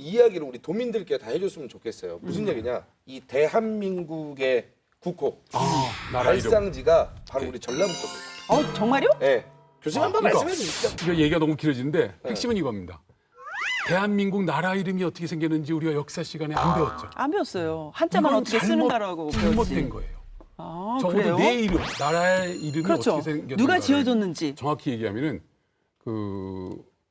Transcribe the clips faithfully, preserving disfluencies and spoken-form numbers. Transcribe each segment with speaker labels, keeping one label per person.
Speaker 1: 이야기를 우리 도민들께 다 해줬으면 좋겠어요. 무슨 얘기냐? 이 대한민국의 국호
Speaker 2: 아, 나라 이름.
Speaker 1: 발상지가 바로 우리 전라북도입니다.
Speaker 3: 어 정말요?
Speaker 1: 네. 교수님
Speaker 2: 아,
Speaker 1: 한번
Speaker 2: 그러니까.
Speaker 1: 말씀해 주시죠.
Speaker 2: 이거 얘기가 너무 길어지는데 핵심은 이겁니다. 대한민국 나라 이름이 어떻게 생겼는지 우리가 역사 시간에 안 배웠죠.
Speaker 3: 안 배웠어요. 한자만
Speaker 2: 이건
Speaker 3: 어떻게
Speaker 2: 잘못-
Speaker 3: 쓰는가라고
Speaker 2: 잘못된
Speaker 3: 배웠지.
Speaker 2: 거예요.
Speaker 3: 아,
Speaker 2: 적어도
Speaker 3: 그래요?
Speaker 2: 내 이름, 나라의 이름이
Speaker 3: 그렇죠.
Speaker 2: 어떻게 생겼는가.
Speaker 3: 누가 지어줬는지.
Speaker 2: 정확히 얘기하면은 그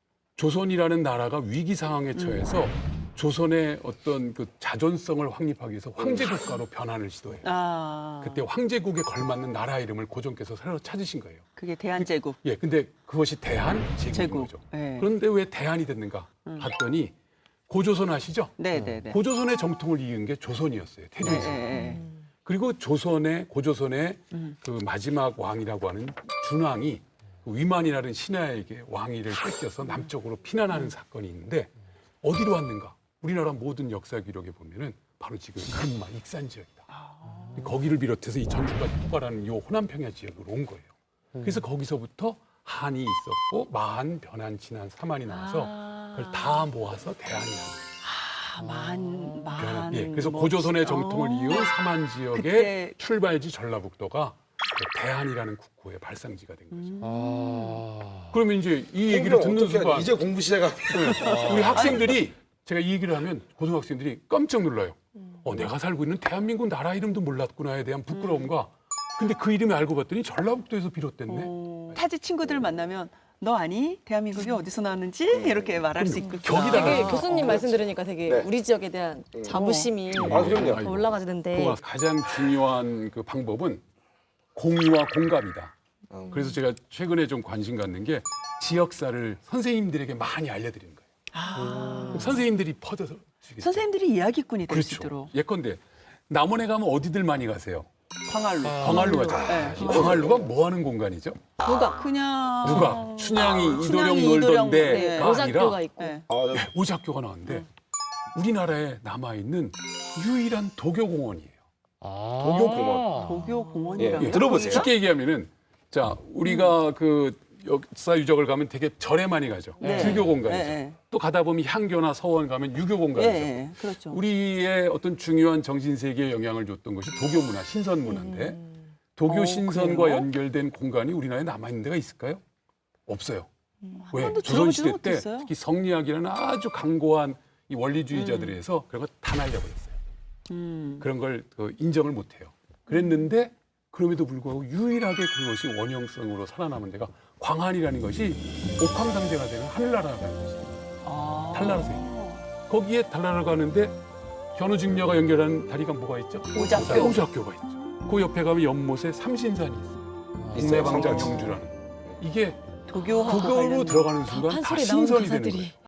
Speaker 2: 조선이라는 나라가 위기 상황에 처해서 조선의 어떤 그 자존성을 확립하기 위해서 황제 국가로 변환을 시도해요.
Speaker 3: 아,
Speaker 2: 그때 황제국에 걸맞는 나라 이름을 고종께서 새로 찾으신 거예요.
Speaker 3: 그게 대한제국.
Speaker 2: 예, 근데 그것이 대한 제국인
Speaker 3: 제국.
Speaker 2: 거죠.
Speaker 3: 예.
Speaker 2: 그런데 왜 대한이 됐는가 봤더니 고조선 아시죠?
Speaker 3: 네네네.
Speaker 2: 고조선의 정통을 이은 게 조선이었어요.
Speaker 3: 네,
Speaker 2: 태조에서.
Speaker 3: 네,
Speaker 2: 그리고 조선의 고조선의
Speaker 3: 음.
Speaker 2: 그 마지막 왕이라고 하는 준왕이 그 위만이라는 신하에게 왕위를 뺏겨서 남쪽으로 피난하는 사건이 있는데 어디로 왔는가? 우리나라 모든 역사 기록에 보면은 바로 지금 금마 익산 지역이다. 거기를 비롯해서 이 전주까지 포괄하는 이 호남평야 지역으로 온 거예요. 그래서 거기서부터 한이 있었고 마한, 변한, 진한, 삼한이 나와서 그걸 다 모아서 대한이라는 거예요.
Speaker 3: 아, 만, 만.
Speaker 2: 변한. 예, 그래서
Speaker 3: 뭐,
Speaker 2: 고조선의 정통을
Speaker 3: 어.
Speaker 2: 이은 삼한 지역의
Speaker 3: 그때-
Speaker 2: 출발지 전라북도가 그 대한이라는 국호의 발상지가 된 거죠.
Speaker 4: 아.
Speaker 2: 그러면 이제 이 얘기를 듣는
Speaker 1: 어떻게
Speaker 2: 순간
Speaker 1: 이제 공부 시작하면
Speaker 2: 우리 학생들이 제가 이 얘기를 하면 고등학생들이 깜짝 놀라요. 어, 내가 살고 있는 대한민국 나라 이름도 몰랐구나에 대한 부끄러움과 근데 그 이름을 알고 봤더니 전라북도에서 비롯됐네.
Speaker 3: 어, 타지 친구들 만나면 너 아니? 대한민국이 어디서 나왔는지 이렇게 말할 수 있겠구나.
Speaker 2: 격이 달라요.
Speaker 5: 되게 교수님 말씀 들으니까 되게
Speaker 1: 네.
Speaker 5: 우리 지역에 대한 자부심이
Speaker 1: 아, 그럼요.
Speaker 2: 아이고.
Speaker 5: 올라가지는데
Speaker 2: 그 가장 중요한 그 방법은 공유와 공감이다.
Speaker 1: 음.
Speaker 2: 그래서 제가 최근에 좀 관심 갖는 게 지역사를 선생님들에게 많이 알려드리는 거예요.
Speaker 3: 아,
Speaker 2: 그럼 선생님들이 퍼져서 주겠죠.
Speaker 3: 선생님들이 이야기꾼이 될 수
Speaker 2: 그렇죠.
Speaker 3: 있도록.
Speaker 2: 예컨대 남원에 가면 어디들 많이 가세요?
Speaker 3: 광활루.
Speaker 2: 광활루 가잖아요.
Speaker 3: 네.
Speaker 2: 이 광활루가 뭐 하는 공간이죠?
Speaker 3: 누가 그냥
Speaker 2: 누가? 춘향이 이도령
Speaker 3: 춘향이, 이도령,
Speaker 2: 놀던
Speaker 3: 네.
Speaker 2: 데가 아니라
Speaker 5: 오작교가 있고
Speaker 3: 네.
Speaker 1: 아, 네.
Speaker 2: 오작교가 나왔는데 우리나라에 남아있는 유일한 도교공원이에요.
Speaker 4: 아.
Speaker 1: 도교공원.
Speaker 3: 도교 공원이라고.
Speaker 1: 예, 들어보세요.
Speaker 2: 쉽게 얘기하면은 자 우리가 그 역사 유적을 가면 되게 절에 많이 가죠.
Speaker 3: 네.
Speaker 2: 불교 공간이죠.
Speaker 3: 네, 네.
Speaker 2: 또 가다 보면 향교나 서원 가면 유교
Speaker 3: 예,
Speaker 2: 공간이죠.
Speaker 3: 예, 그렇죠.
Speaker 2: 우리의 어떤 중요한 정신 세계에 영향을 줬던 것이 도교 문화, 신선 문화인데 도교
Speaker 3: 어,
Speaker 2: 신선과
Speaker 3: 그래요?
Speaker 2: 연결된 공간이 우리나라에 남아 있는 데가 있을까요? 없어요. 왜?
Speaker 3: 번도
Speaker 2: 조선
Speaker 3: 들어보지는
Speaker 2: 시대 때
Speaker 3: 못했어요.
Speaker 2: 특히 성리학이라는 아주 강고한 이 원리주의자들에 의해서 그런 거 다 날려버렸어요.
Speaker 3: 음.
Speaker 2: 그런 걸 그 인정을 못해요. 그랬는데 그럼에도 불구하고 유일하게 그것이 원형성으로 살아남은 데가 광안이라는 것이 옥황상제가 되는 하늘나라라는 것입니다.
Speaker 3: 아.
Speaker 2: 달나라서 있는. 거기에 달나라 가는데 견우직녀가 연결하는 다리가 뭐가 있죠?
Speaker 3: 오작교.
Speaker 2: 오작교가 있죠. 그 옆에 가면 연못에 삼신산이 있어요.
Speaker 1: 있어요,
Speaker 2: 국내방자
Speaker 1: 삼신산.
Speaker 2: 경주라는. 이게
Speaker 3: 도교하고
Speaker 2: 도교로
Speaker 3: 관련된.
Speaker 2: 들어가는 순간 다
Speaker 5: 판소리 나오는
Speaker 2: 신선이 되는
Speaker 5: 가사들이.
Speaker 2: 거예요.